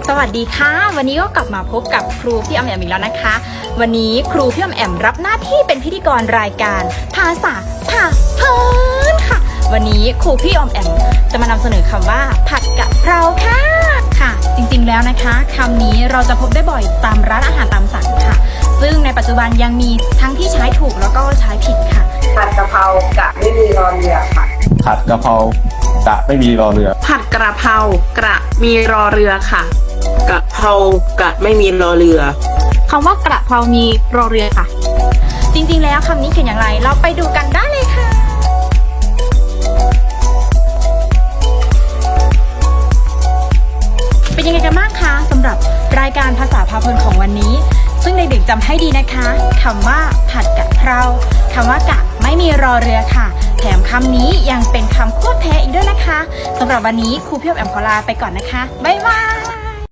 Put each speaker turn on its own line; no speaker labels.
สวัสดีค่ะวันนี้ก็กลับมาพบกับครูพี่ออมแอมอีกแล้วนะคะวันนี้ครูพี่ออมแอมรับหน้าที่เป็นพิธีกรรายการภาษาพาเพลินค่ะวันนี้ครูพี่ออมแอมจะมานำเสนอคำว่าผัดกะเพราค่ะจริงๆแล้วนะคะคำนี้เราจะพบได้บ่อยตามร้านอาหารตามสั่งค่ะซึ่งในปัจจุบันยังมีทั้งที่ใช้ถูกแล้วก็ใช้ผิดค่ะ
ผัดกะเพรากะไม่มีรอเรือค่ะ
ผัดกะเพรากะไม่มีรอเรือ
ผัดกระเพรากระมีรอเรือค่ะ
กะเพรากะไม่มีรอเรือ
คำว่ากระเพรามีรอเรือค่ะ
จริงๆแล้วคำนี้เขียนอย่างไรเราไปดูกันได้เลยค่ะเป็นยังไงกันบ้างคะสำหรับรายการภาษาพาเพลินของวันนี้ซึ่งเด็กๆจำให้ดีนะคะคำว่าผัดกะเพราคำว่ากะไม่มีรอเรือค่ะแถมคำนี้ยังเป็นคำควบแท้อีกด้วยนะคะสำหรับวันนี้ครูพี่ออมแอมขอลาไปก่อนนะคะบ๊ายบาย